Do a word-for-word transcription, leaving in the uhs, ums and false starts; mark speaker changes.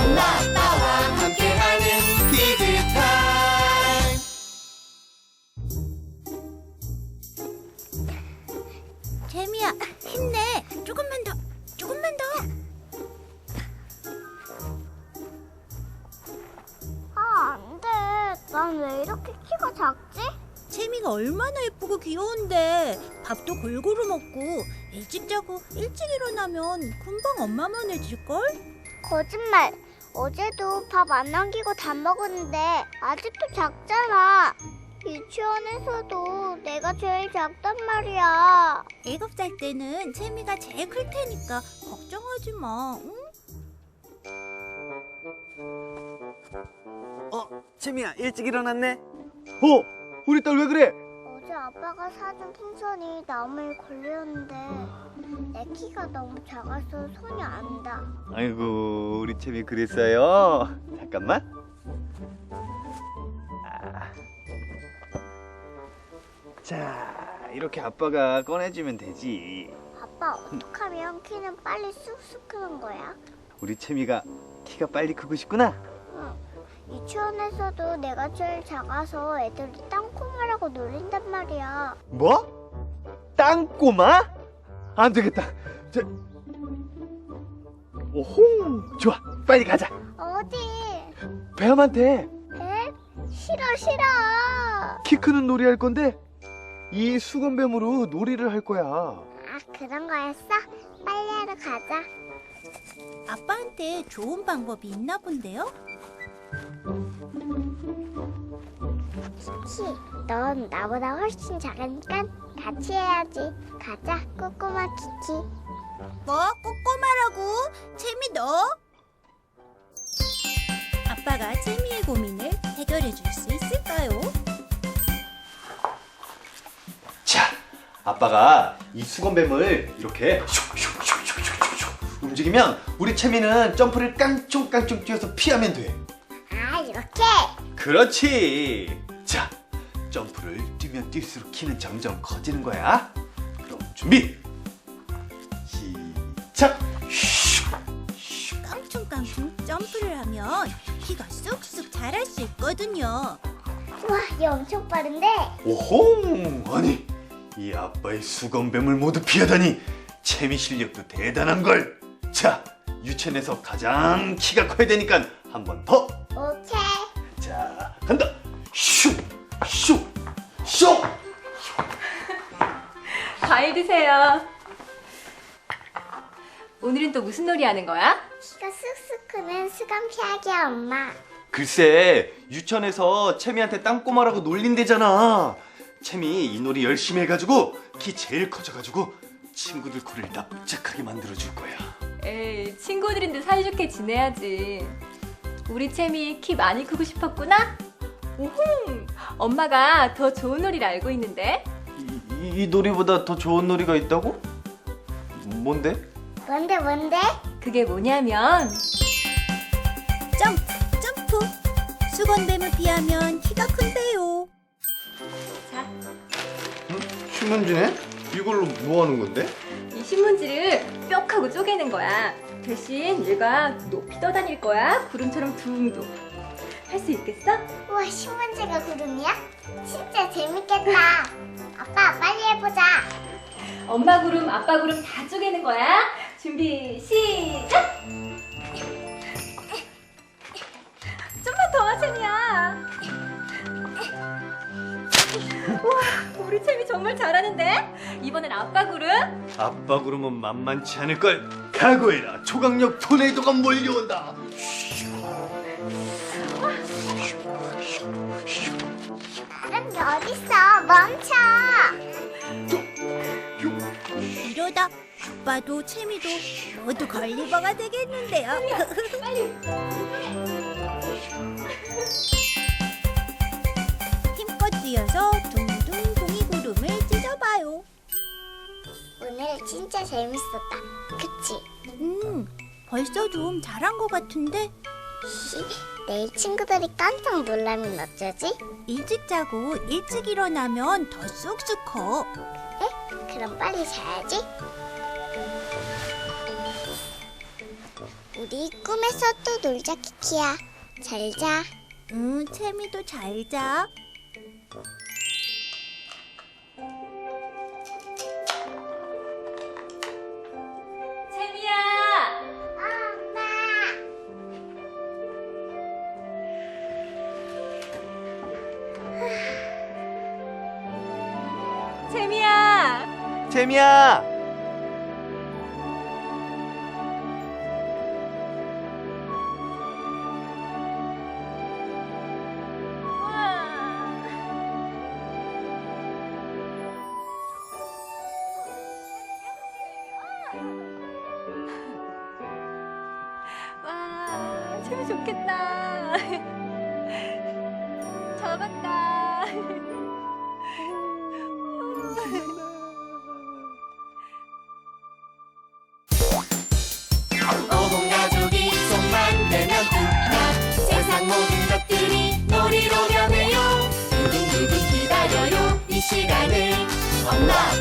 Speaker 1: 엄마 아빠와 함께하는 키즈타임.
Speaker 2: 재미야, 힘내. 조금만 더, 조금만 더.
Speaker 3: 아, 안 돼. 난 왜 이렇게 키가 작지?
Speaker 2: 재미가 얼마나 예쁘고 귀여운데. 밥도 골고루 먹고 일찍 자고 일찍 일어나면 금방 엄마만해질걸?
Speaker 3: 거짓말. 어제도 밥 안 남기고 다 먹었는데 아직도 작잖아. 유치원에서도 내가 제일 작단 말이야.
Speaker 2: 일곱 살 때는 재미가 제일 클 테니까 걱정하지 마. 응?
Speaker 4: 어, 채미야 일찍 일어났네. 어, 우리 딸 왜 그래?
Speaker 3: 어제 아빠가 사준 풍선이 나무에 걸렸는데 내 키가 너무 작아서 손이 안 닿아.
Speaker 4: 아이고, 우리 채미 그랬어요. 잠깐만. 아. 자, 이렇게 아빠가 꺼내주면 되지.
Speaker 3: 아빠, 어떻게 하면 키는 빨리 쑥쑥 크는 거야?
Speaker 4: 우리 채미가 키가 빨리 크고 싶구나.
Speaker 3: 응. 유치원에서도 내가 제일 작아서 애들이 땅콩이라고 놀린단 말이야.
Speaker 4: 뭐? 땅꼬마? 안 되겠다. 저... 오호, 좋아. 빨리 가자.
Speaker 3: 어디?
Speaker 4: 배암한테
Speaker 3: 에? 싫어 싫어.
Speaker 4: 키 크는 놀이 할 건데 이 수건뱀으로 놀이를 할 거야.
Speaker 3: 아, 그런 거였어? 빨리 하러 가자.
Speaker 2: 아빠한테 좋은 방법이 있나 본데요?
Speaker 3: 키키, 넌 나보다 훨씬 작으니까 같이 해야지. 가자, 꼬꼬마 키키.
Speaker 2: 뭐? 꼬꼬마라고? 재미 너? 아빠가 재미의 고민을 해결해 줄 수 있을까요?
Speaker 4: 자, 아빠가 이 수건뱀을 이렇게 슉슉슉슉슉슉 움직이면 우리 채미는 점프를 깡총깡총 뛰어서 피하면 돼.
Speaker 3: 아, 이렇게?
Speaker 4: 그렇지. 자, 점프를 뛰면 뛸수록 키는 점점 커지는 거야. 그럼 준비. 시작. 슉.
Speaker 2: 깡충깡충 점프를 하면 키가 쑥쑥 자랄 수 있거든요.
Speaker 3: 우와, 얘 엄청 빠른데?
Speaker 4: 오호, 아니 이 아빠의 수건뱀을 모두 피하다니 채미 실력도 대단한 걸. 자, 유치원에서 가장 키가 커야 되니까 한 번 더.
Speaker 3: 오케이.
Speaker 4: 자, 간다. 슉, 슉, 슉.
Speaker 5: 과일 드세요. 오늘은 또 무슨 놀이 하는 거야?
Speaker 3: 키가 쑥쑥 크는 수감 피하기야, 엄마.
Speaker 4: 글쎄, 유치원에서 채미한테 땅꼬마라고 놀린대잖아. 채미 이 놀이 열심히 해가지고 키 제일 커져가지고 친구들 코를 납작하게 만들어줄 거야.
Speaker 5: 에이, 친구들인데 사이좋게 지내야지. 우리 채미 키 많이 크고 싶었구나? 오홍! 엄마가 더 좋은 놀이를 알고 있는데?
Speaker 4: 이, 이, 이 놀이보다 더 좋은 놀이가 있다고? 뭔데?
Speaker 3: 뭔데, 뭔데?
Speaker 5: 그게 뭐냐면
Speaker 2: 점프, 점프. 수건뱀을 피하면 키가 큰데요.
Speaker 5: 자,
Speaker 4: 응? 신문지네? 이걸로 뭐 하는 건데?
Speaker 5: 이 신문지를 뾱 하고 쪼개는 거야. 대신 얘가 높이 떠다닐 거야. 구름처럼 둥둥. 할 수 있겠어?
Speaker 3: 우와, 신문지가 구름이야? 진짜 재밌겠다. 아빠, 빨리 해보자.
Speaker 5: 엄마 구름, 아빠 구름 다 쪼개는 거야. 준비, 시작! 좀만 더, 채미야. 우와, 우리 채미 정말 잘하는데? 이번엔 아빠 구름.
Speaker 4: 아빠 구름은 만만치 않을걸. 각오해라. 초강력 토네이도가 몰려온다.
Speaker 3: 다른 게 어딨어? 멈춰.
Speaker 2: 이러다 아빠도 채미도 모두 걸리버가 되겠는데요.
Speaker 5: 빨리.
Speaker 2: 힘껏 뛰어서 둥둥 동이구름을 찢어봐요.
Speaker 3: 오늘 진짜 재밌었다. 그치?
Speaker 2: 음, 벌써 좀 잘한 것 같은데
Speaker 3: 히, 내일 친구들이 깜짝 놀라면 어쩌지?
Speaker 2: 일찍 자고 일찍 일어나면 더 쑥쑥 커.
Speaker 3: 그래? 그럼 빨리 자야지. 우리 꿈에서 또 놀자, 키키야. 잘 자.
Speaker 2: 응, 채미도 잘 자.
Speaker 5: 채미야!
Speaker 3: 엄마.
Speaker 5: 채미야!
Speaker 4: 재미야.
Speaker 5: 와, 채미 좋겠다. 잡았다.
Speaker 1: 온 가족이 손만 대면 뚝딱 세상 모든 것들이 놀이로 변해요 두근두근 기다려요 이 시간을 엄마